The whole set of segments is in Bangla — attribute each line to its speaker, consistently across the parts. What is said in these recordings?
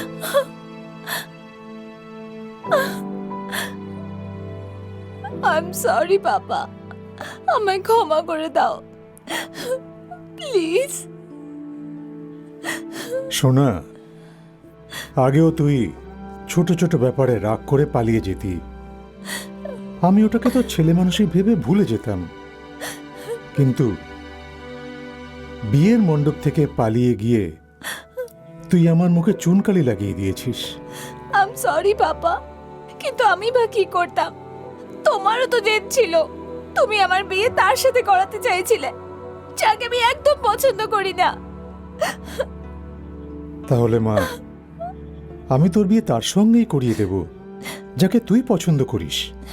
Speaker 1: আই এম সরি বাবা, আমায় ক্ষমা করে দাও প্লিজ।
Speaker 2: সোনা, আগেও তুই ছোট ছোট ব্যাপারে রাগ করে পালিয়ে যেতি। আমি ওটাকে তো ছেলে মানুষই ভেবে ভুলে যেতাম, কিন্তু বিয়ের মণ্ডপ থেকে পালিয়ে গিয়ে তুই আমার মুখে চুনকালি লাগিয়ে দিয়েছিস।
Speaker 1: আই এম সরি বাবা, কিন্তু আমি বা কি করতাম? তোমারও তো জেদ ছিল, তুমি আমার বিয়ে তার সাথে করাতে চাইছিলে যাকে আমি একদম পছন্দ করি না।
Speaker 2: তাহলে মা, আমি তোর বিয়ে তার সঙ্গেই করিয়ে দেব যাকে তুই পছন্দ করিস।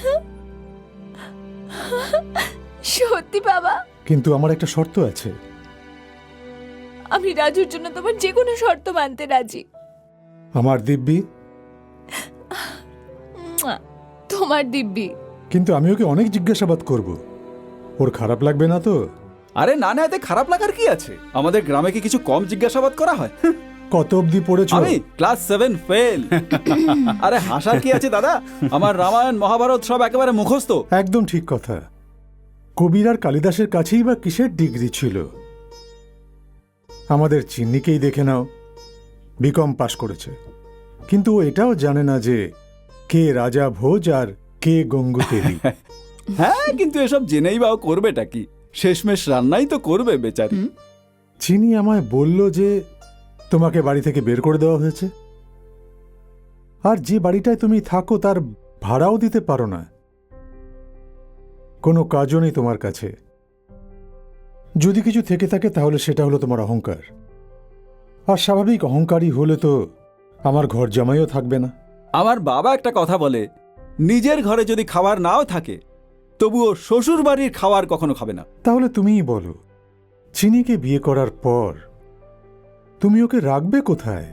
Speaker 1: সত্যি বাবা?
Speaker 2: কিন্তু আমার একটা শর্ত আছে।
Speaker 1: আমি রাজুর জন্য তোমার যে কোনো শর্ত মানতে রাজি।
Speaker 2: আমার দিব্যি।
Speaker 1: তোমার দিব্যি।
Speaker 2: কিন্তু আমি ওকে অনেক জিজ্ঞাসাবাদ করব, ওর খারাপ লাগবে না তো?
Speaker 3: আরে না না, এতে খারাপ লাগার কি আছে? আমাদের গ্রামে কি কিছু কম জিজ্ঞাসাবাদ করা হয়?
Speaker 2: কত অবধি পড়েছো?
Speaker 3: আমি ক্লাস 7 ফেল। আরে হাসার কি আছে দাদা, আমার রামায়ণ মহাভারত সব একেবারে মুখস্থ।
Speaker 2: একদম ঠিক কথা। কবির আর কালিদাসের কাছেই বা কিসের ডিগ্রি ছিল? আমাদের চিন্নিকেই দেখে নাও, বিকম পাশ করেছে, কিন্তু ও এটাও জানে না যে কে রাজা ভোজ আর কে গঙ্গুতেলি।
Speaker 3: হ্যাঁ, কিন্তু এসব জেনেই বা ও করবেটা কি? শেষমেশ রান্নাই তো করবে বেচারি।
Speaker 2: চিনি আমায় বলল যে তোমাকে বাড়ি থেকে বের করে দেওয়া হয়েছে, আর যে বাড়িটায় তুমি থাকো তার ভাড়াও দিতে পারো না, কোনো কাজও নেই তোমার কাছে। যদি কিছু থেকে থাকে তাহলে সেটা হলো তোমার অহংকার, আর স্বাভাবিক অহংকারী হলে তো আমার ঘর জামাইও থাকবে না।
Speaker 3: আমার বাবা একটা কথা বলে, নিজের ঘরে যদি খাবার নাও থাকে তবুও শ্বশুর বাড়ির খাবার কখনো খাবে না।
Speaker 2: তাহলে তুমিই বলো, চিনিকে বিয়ে করার পর তুমি ওকে রাখবে কোথায়?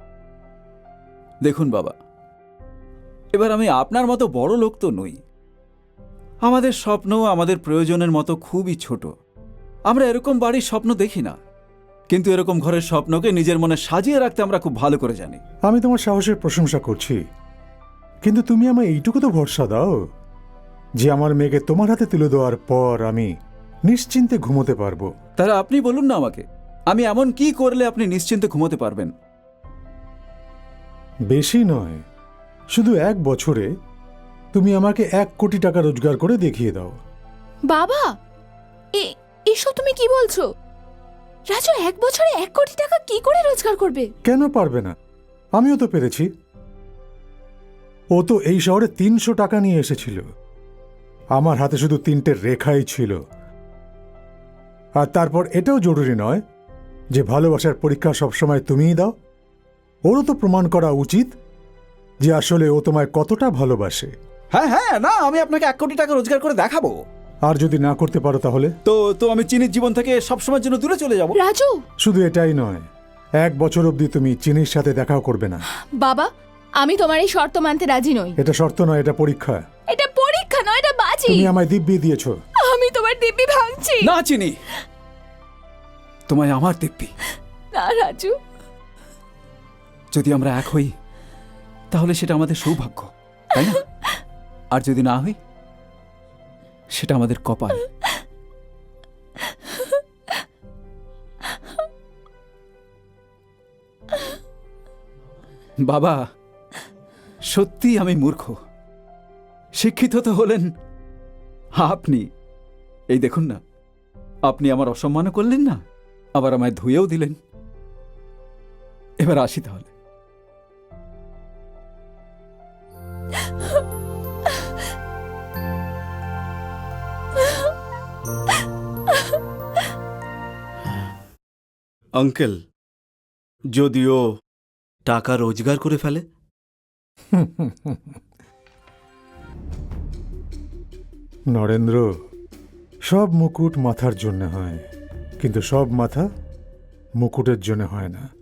Speaker 3: দেখুন বাবা, এবার আমি আপনার মতো বড় লোক তো নই। আমাদের স্বপ্ন আমাদের প্রয়োজনের মতো খুবই ছোট। আমরা এরকম বাড়ির স্বপ্ন দেখি না, কিন্তু এরকম ঘরের স্বপ্নকে নিজের মনে সাজিয়ে রাখতে আমরা খুব ভালো করে জানি।
Speaker 2: আমি তোমার সাহসের প্রশংসা করছি, কিন্তু তুমি আমায় এইটুকু তো ভরসা দাও যে আমার মেয়েকে তোমার হাতে তুলে দেওয়ার পর আমি নিশ্চিন্তে ঘুমোতে পারবো।
Speaker 3: তাহলে আপনি বলুন না আমাকে, আমি এমন কি করলে আপনি নিশ্চিন্তে ঘুমোতে পারবেন?
Speaker 2: বেশি নয়, শুধু 1 বছরে তুমি আমাকে 1 কোটি টাকা রোজগার করে দেখিয়ে দাও।
Speaker 1: বাবা, এসব তুমি কি বলছো? রাজু 1 বছরে 1 কোটি টাকা কি করে রোজগার করবে?
Speaker 2: কেন পারবে না? আমিও তো পেরেছি। ও তো এই শহরে 300 টাকা নিয়ে এসেছিল, আমার হাতে শুধু 3টে রেখাই ছিল। আর তারপর এটাও জরুরি নয় যে ভালোবাসার পরীক্ষা সবসময় তুমিই দাও। ওরও তো প্রমাণ করা উচিত যে আসলে ও তোমায় কতটা ভালোবাসে।
Speaker 3: হ্যাঁ হ্যাঁ, না আমি আপনাকে 1 কোটি টাকা রোজগার করে দেখাবো।
Speaker 2: আর যদি না করতে পারো তাহলে
Speaker 3: তো আমি চিনির জীবন থেকে সবসময়ের জন্য দূরে চলে যাব।
Speaker 1: রাজু,
Speaker 2: শুধু এটাই নয়, 1 বছর অবধি তুমি চিনির সাথে দেখাও করবে না।
Speaker 1: বাবা, আমি তোমার এই শর্ত মানতে রাজি নই।
Speaker 2: এটা শর্ত নয়, এটা পরীক্ষা।
Speaker 1: এটা পরীক্ষা নয়, এটা বাজি।
Speaker 2: তুমি আমায় দিব্যি দিয়েছো।
Speaker 1: আমি তোমার দিব্যি ভাঙছি
Speaker 3: না চিনি, তোমায় আমার দিব্যি।
Speaker 1: না রাজু,
Speaker 3: যদি আমরা এক হই তাহলে সেটা আমাদের সৌভাগ্য, তাই না? আর যদি না হই সেটা আমাদের কপাল। বাবা, সত্যি আমি মূর্খ। শিক্ষিত তো হলেন আপনি। এই দেখুন না, আপনি আমার অসম্মানও করলেন না, আবার আমায় ধুয়েও দিলেন। এবার আসি তাহলে।
Speaker 4: আঙ্কেল, যদিও টাকা রোজগার করে ফেলে?
Speaker 2: নরেন্দ্র, সব মুকুট মাথার জন্য হয়, কিন্তু সব মাথা মুকুটের জন্য হয় না।